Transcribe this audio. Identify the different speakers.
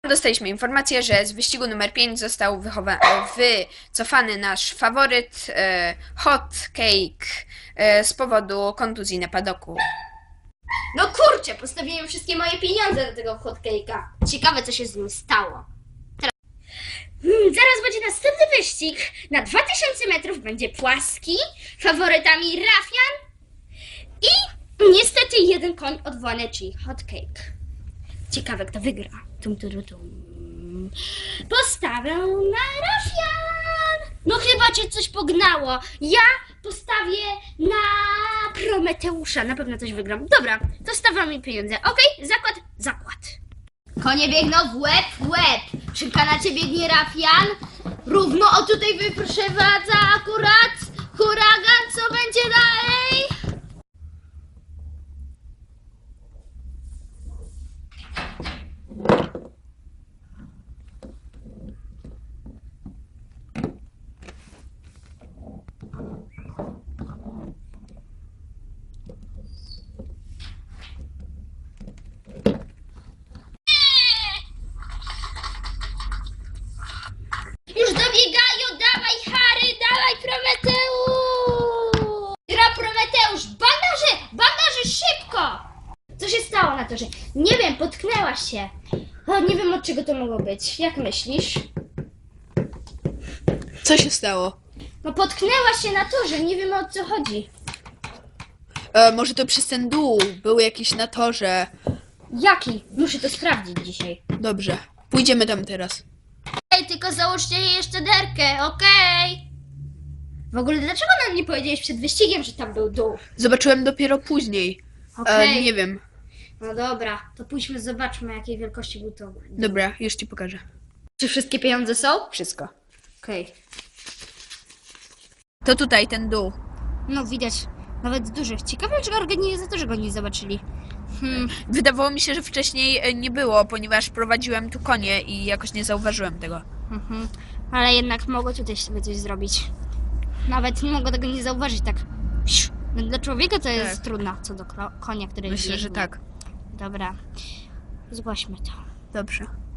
Speaker 1: Dostaliśmy informację, że z wyścigu numer 5 został wycofany nasz faworyt Hot Cake z powodu kontuzji na padoku.
Speaker 2: No kurczę, postawiłem wszystkie moje pieniądze do tego hotcake'a. Ciekawe, co się z nim stało. Zaraz będzie następny wyścig. Na 2000 metrów będzie płaski. Faworytami Rafian i niestety jeden koń odwołany, czyli hotcake. Ciekawe, kto wygra. Tum. Postawię na Rafian. No chyba cię coś pognało. Ja postawię na Prometeusza. Na pewno coś wygram. Dobra, to stawiam mi pieniądze. Okej, zakład. Konie biegną w łeb. Przy kanacie biegnie Rafian. Równo o tutaj wyprzewadza akurat huragan. Co będzie dalej? Już dobiegają, dawaj Harry, dawaj Prometeusz! Gra Prometeusz, bandaże, szybko! Co się stało na torze? Nie wiem, potknęłaś się. O, nie wiem, od czego to mogło być. Jak myślisz?
Speaker 1: Co się stało?
Speaker 2: No potknęłaś się na torze, nie wiem, o co chodzi.
Speaker 1: Może to przez ten dół był jakiś na torze.
Speaker 2: Jaki? Muszę to sprawdzić dzisiaj.
Speaker 1: Dobrze, pójdziemy tam teraz.
Speaker 2: Ej, tylko załóżcie jej jeszcze derkę, okej? W ogóle dlaczego nam nie powiedziałeś przed wyścigiem, że tam był dół?
Speaker 1: Zobaczyłem dopiero później.
Speaker 2: Okej.
Speaker 1: Nie wiem.
Speaker 2: No dobra, to pójdźmy, zobaczmy, jakiej wielkości był to dół.
Speaker 1: Dobra, już ci pokażę.
Speaker 2: Czy wszystkie pieniądze są?
Speaker 1: Wszystko.
Speaker 2: Okej.
Speaker 1: To tutaj, ten dół.
Speaker 2: No widać, nawet dużych. Ciekawe, czy organizatorzy go nie zobaczyli.
Speaker 1: Wydawało mi się, że wcześniej nie było, ponieważ prowadziłem tu konie i jakoś nie zauważyłem tego.
Speaker 2: Ale jednak mogło tutaj sobie coś zrobić. Nawet nie mogło tego nie zauważyć tak. No, dla człowieka to jest trudno, co do konia, który
Speaker 1: Myślę, że
Speaker 2: biegnie.
Speaker 1: tak.
Speaker 2: Dobra, zgłośmy to.
Speaker 1: Dobrze.